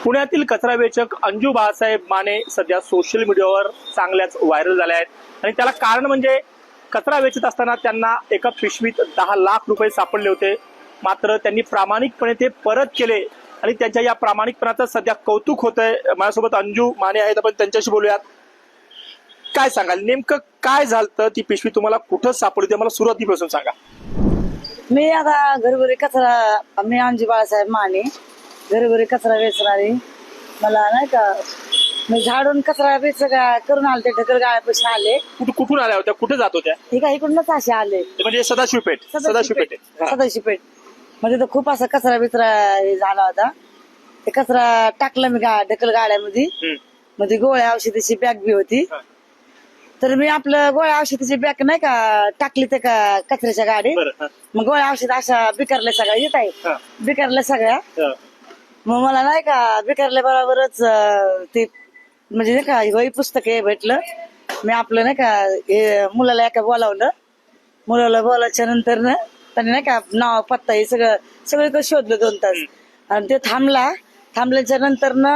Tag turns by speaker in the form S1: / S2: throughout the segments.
S1: पुण्यातील कचरा वेचक अंजू बाळासाहेब माने सध्या सोशल मीडियावर चांगल्याच व्हायरल झाल्या आहेत आणि त्याला कारण म्हणजे कचरा वेचत असताना त्यांना एका पिशवीत 10 लाख रुपये सापडले होते. मात्र त्यांनी प्रामाणिकपणे ते परत केले आणि त्यांच्या या प्रामाणिकपणाचं सध्या कौतुक होतंय. माझ्यासोबत अंजू माने आहेत, आपण त्यांच्याशी बोलूयात. काय सांगाल, नेमकं काय झालं, ती पिशवी तुम्हाला कुठं सापडली ते मला सुरुवातीपासून सांगा.
S2: मी आता घरोघरी कचरा, मी अंजू बाळासाहेब माने, घरोघरी कचरा वेचणारी. मला नाही का, मी झाडून कचरा वेच करून आले, ते ढकल गाळ्यापाशी आले.
S1: कुठून आल्या होत्या, कुठे जात होत्या?
S2: हे काय इकडूनच असे आले,
S1: म्हणजे सदाशिवपेठ.
S2: सदाशिवपेठ म्हणजे तर खूप असा कचरा बिचरा हे झाला होता. ते कचरा टाकलं मी ढकल गाड्यामध्ये. मध्ये गोळ्या औषधीची बॅग बी होती. तर मी आपलं गोळ्या औषधीची बॅग नाही का टाकली ते कचऱ्याच्या गाडीत. मग गोळ्या औषध अशा बिकारल्या सगळ्या येत आहे, बिकारल्या सगळ्या. मग मला नाही का बिकारल्या बरोबरच ते म्हणजे नाही का वही पुस्तक हे भेटलं. मी आपलं नाही का हे मुलाला एका बोलावलं. मुलाला बोलायच्या नंतर ना त्याने नाही का नाव पत्ता हे सगळं शोधलं 2 तास. आणि ते थांबल्याच्या नंतर ना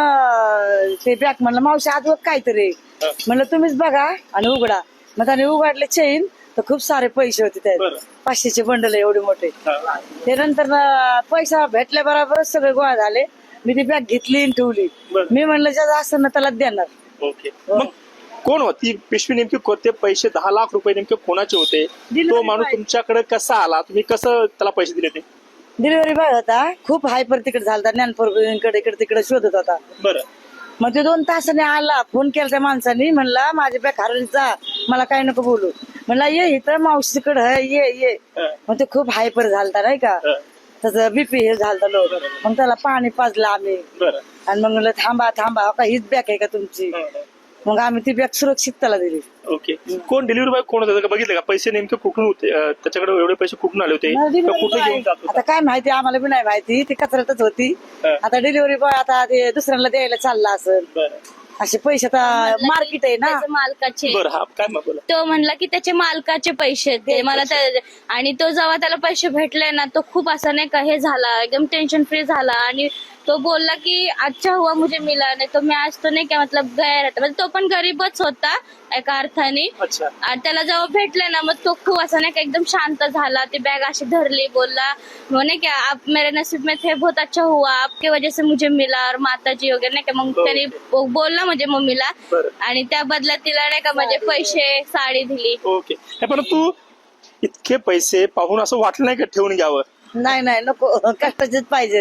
S2: ते बॅग म्हणलं, मावशी आज काहीतरी म्हणलं, तुम्हीच बघा आणि उघडा. मग त्याने उघडले चेन, तर खूप सारे पैसे होते त्यात. 500चे बंडल एवढे मोठे. ते नंतर पैसा भेटल्या बरोबरच सगळे गोळा झाले. मी ती बॅग घेतली आणि ठेवली. मी म्हणलं ज्याचं असं ना त्याला देणार.
S1: ओके, मग कोण होती पिशवी, नेमकी कोणते पैसे 10 लाख रुपये नेमके कोणाचे होते? तो माणूस तुमच्याकडे कसा आला, तुम्ही कसं त्याला पैसे दिले? ते
S2: डिलिव्हरी बॉय होता, खूप हायपर तिकडे झाला, ज्ञानपूरकडे इकडे तिकडे शोधत होता.
S1: बरं.
S2: मग ते 2 तासाने आला, फोन केला त्या माणसाने, म्हणला माझी बॅग हरवली, जा, मला काय नको बोलू. म्हणला ये इथं मावशीकडे ये. मग ते खूप हायपर झालता नाही का, त्याचं बीपी हे झालं लोक. मग त्याला पाणी पाजलं आम्ही. आणि मग म्हणलं थांबा का हीच बॅग आहे का तुमची? मग आम्ही ती बॅग सुरक्षित त्याला दिली.
S1: ओके, कोण डिलिव्हरी बॉय कोण होतं बघितलं का? पैसे नेमके कुठून होते, त्याच्याकडे एवढे पैसे कुठून आले होते, कुठे घेऊन जात होता?
S2: आता काय माहिती, आम्हाला बी नाही माहिती. ती कचऱ्यातच होती. आता डिलिव्हरी बॉय आता ते दुसऱ्यांना द्यायला चालला असेल. असे पैसे आता मार्केट आहे ना
S3: मालकाचे.
S1: बरं, हा काय मग बोला.
S3: तो म्हणला की त्याचे मालकाचे पैसे ते मला आणि तो जेव्हा त्याला पैसे भेटले ना, तो खूप असा नाही का हे झाला, एकदम टेन्शन फ्री झाला. आणि तो बोलला की अच्छा हुआ मुझे मिला, नाही तो मी आज तो नाही का मतलब गया रहता. म्हणजे तो पण गरीबच होता एका अर्थाने. आणि त्याला जेव्हा भेटले ना, मग तो खूप असा नाही का एकदम शांत झाला. ती बॅग अशी धरली, बोलला म्हणे की आप मेरे नसीब में थे, बहुत अच्छा हुआ, आपके वजह से मुझे मिला, और माताजी वगैरे नाही का. मग त्याने बोलला म्हणजे मम्मीला, आणि त्या बदल्यात तिला नाही का म्हणजे पैसे, साडी दिली.
S1: ओके, परंतु इतके पैसे पाहून असं वाटलं नाही का ठेवून घ्यावं?
S2: नाही नको, कष्टाचेच पाहिजे.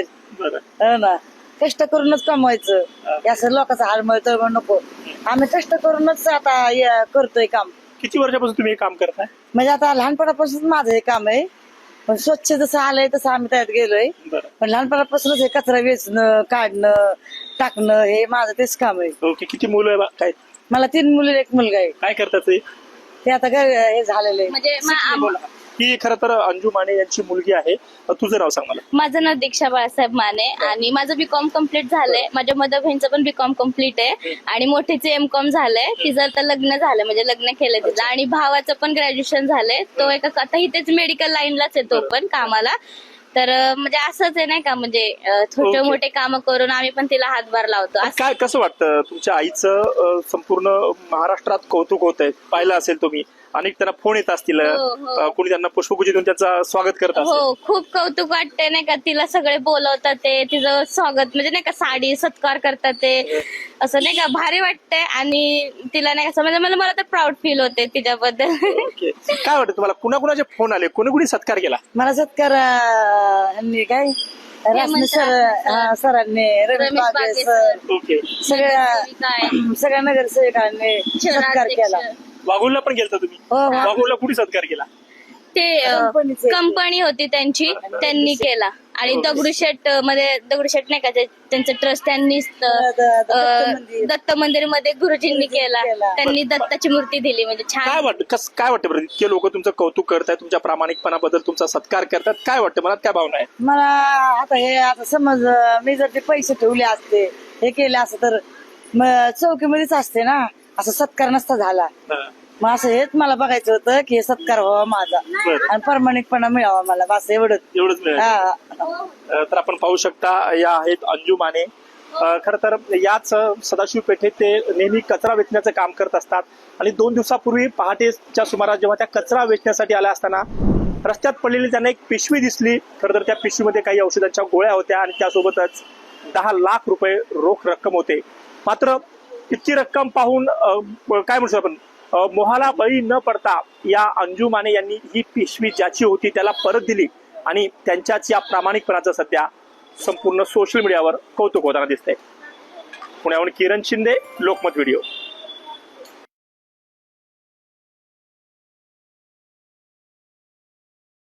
S2: हो ना, कष्ट करूनच कमवायचं. असं लोकांचा हाल मिळतोय नको. आम्ही कष्ट करूनच आता करतोय काम.
S1: किती वर्षापासून तुम्ही हे काम करताय?
S2: म्हणजे आता लहानपणापासून माझं हे काम आहे. पण स्वच्छ जसं आलंय तसं आम्ही त्यात गेलोय. पण लहानपणापासूनच हे कचरा वेचणं, काढणं, टाकणं हे माझं तेच काम आहे.
S1: ओके, किती मुलं आहे काय?
S2: मला 3 मुली 1 मुलगा आहे.
S1: काय करतात
S2: ते आता हे झालेलं आहे.
S3: म्हणजे
S1: ही खरं तर अंजू माने यांची मुलगी आहे. तुझं नाव सांग मला.
S3: माझं नाव दीक्षा बाळासाहेब माने आणि माझं बीकॉम कम्प्लीट झालंय. माझ्या मदर बहिणीचं पण बीकॉम कम्प्लीट आहे आणि मोठीचे एमकॉम झालंय. तिचं आता लग्न झालं, म्हणजे लग्न केलं तिचं. आणि भावाचं पण ग्रॅज्युएशन झालंय. तो एका आता इथेच मेडिकल लाईनलाच आहे तो पण कामाला. तर म्हणजे असंच आहे नाही का, म्हणजे छोटे मोठे काम करून आम्ही पण तिला हातभार लावतो.
S1: काय कसं वाटतं, तुमच्या आईचं संपूर्ण महाराष्ट्रात कौतुक होत आहे, पाहिलं असेल तुम्ही, अनेक त्यांना फोन येत असतील, कोणी त्यांना पुष्पगुच्छ देऊन त्यांचं स्वागत करत असेल.
S3: हो, खूप कौतुक वाटतंय नाही का. तिला सगळे बोलवतात, ते तिचं स्वागत म्हणजे नाही का साडी सत्कार करतात, ते असं नाही का भारी वाटतंय. आणि तिला नाही का म्हणजे मला तर प्राऊड फील होते तिच्याबद्दल.
S1: काय वाटतं तुम्हाला, कुणाकुणाचे फोन आले, कोणी सत्कार केला?
S2: मला सत्कार काय रासने सरांनी, रमेश बागे सर, सगळ्या नगरसेवकांनी सत्कार केला.
S1: वाघोलला पण गेलता तुम्ही? वाघोलला कुठे सत्कार केला?
S3: ते कंपनी होती त्यांची, त्यांनी केला. आणि दगडूशेठ नाही का त्यांचं ट्रस्ट, त्यांनी दत्त मंदिर मध्ये गुरुजींनी केला. त्यांनी दत्ताची मूर्ती दिली. म्हणजे छान.
S1: काय वाटतं बरं, इतके लोक तुमचं कौतुक करतायत, तुमच्या प्रामाणिकपणाबद्दल तुमचा सत्कार करतात, काय वाटतं, मनात काय भावना आहे?
S2: मला आता समज मी जर ते पैसे ठेवले असते, हे केले असं, तर चौकीमध्येच असते ना, असं सत्कार नसता झाला. मग असं हेच मला बघायचं होतं की सत्कार व्हावा माझा आणि प्रामाणिकपणा मिळावा मला, बस एवढंच.
S1: तर आपण पाहू शकता, या आहेत अंजू माने. खरं तर याच सदाशिव पेठेत ते नेहमी कचरा वेचण्याचं काम करत असतात आणि 2 दिवसापूर्वी पहाटेच्या सुमारास जेव्हा त्या कचरा वेचण्यासाठी आल्या असताना रस्त्यात पडलेली त्यांना एक पिशवी दिसली. खरं तर त्या पिशवीमध्ये काही औषधांच्या गोळ्या होत्या आणि त्यासोबतच 10 लाख रुपये रोख रक्कम होते. मात्र इतकी रक्कम पाहून काय म्हणतो आपण मोहाला बळी न पडता या अंजू माने यांनी ही पिशवी ज्याची होती त्याला परत दिली आणि त्यांच्याच या प्रामाणिकपणाचं सध्या संपूर्ण सोशल मीडियावर कौतुक होताना दिसतंय. पुण्याहून किरण शिंदे, लोकमत व्हिडिओ.